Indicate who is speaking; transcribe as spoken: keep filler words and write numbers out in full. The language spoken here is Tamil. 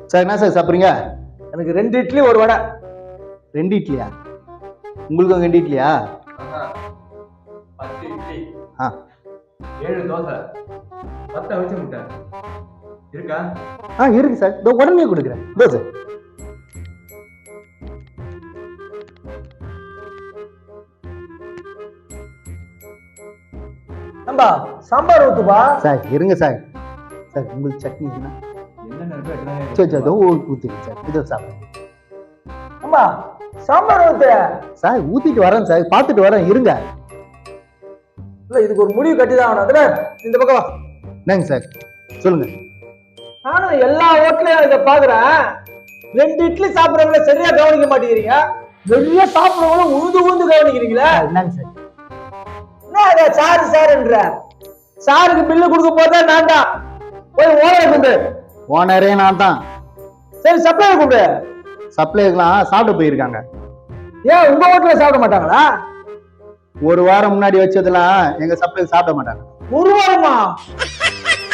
Speaker 1: சார் என்ன சார் சாப்பிட்றீங்க?
Speaker 2: எனக்கு ரெண்டு இட்லி ஒரு வடை.
Speaker 1: ரெண்டு இட்லியா? உங்களுக்கு ரெண்டு இட்லியா?
Speaker 3: பத்து இட்லி,
Speaker 1: ஆ
Speaker 3: ஏழு தோசை, பத்து அவிச்ச முட்டை இருக்கா?
Speaker 1: ஆ இருக்கு சார், இதோ உடனே கொடுக்குறேன். இதோ சார்.
Speaker 2: நம்பா சாம்பார் ஊத்துப்பா.
Speaker 1: சார் இருங்க சார். சார் உங்களுக்கு சட்னி இருக்குன்னா
Speaker 3: என்னென்ன இருக்கோ எல்லாம்
Speaker 1: சரி சார், இதோ ஊற்றிடுங்க சார். இதோ சாப்பிடுங்க
Speaker 2: நம்பா சாம்பார் ஊத்து.
Speaker 1: சார். ஊத்திட்டு வரேன் சார், பார்த்துட்டு வரேன், இருங்க.
Speaker 2: இல்ல இதுக்கு ஒரு முடிவு கட்டி தான் ஆகணும். அதுல இந்த பக்கம் வா.
Speaker 1: என்னங்க சார் சொல்லுங்க.
Speaker 2: நானும் எல்லா ஹோட்டலையும் இதை பாக்குறேன். ரெண்டு இட்லி சாப்பிடுறவங்கள சரியா கவனிக்க மாட்டேங்கிறீங்க, நிறைய சாப்பிடுறவங்களும் உழுந்து உழுந்து கவனிக்கிறீங்களா?
Speaker 1: என்னங்க சார்?
Speaker 2: என்ன அதை சாரு சாருன்ற? சாருக்கு பில்லு கொடுக்க போறதா நான் தான். போய் ஓனரை கூப்பிடு.
Speaker 1: ஓனரே நான் தான்.
Speaker 2: சரி சப்ளை கூப்பிடு.
Speaker 1: சப்ளைலாம் சாப்பிட போயிருக்காங்க.
Speaker 2: ஏன் உங்க ஹோட்டல்ல சாப்பிட மாட்டாங்களா?
Speaker 1: ஒரு வாரம் முன்னாடி வச்சதெல்லாம் எங்க சப்ளை சாப்பிட மாட்டாங்க.
Speaker 2: ஒரு வாரமா?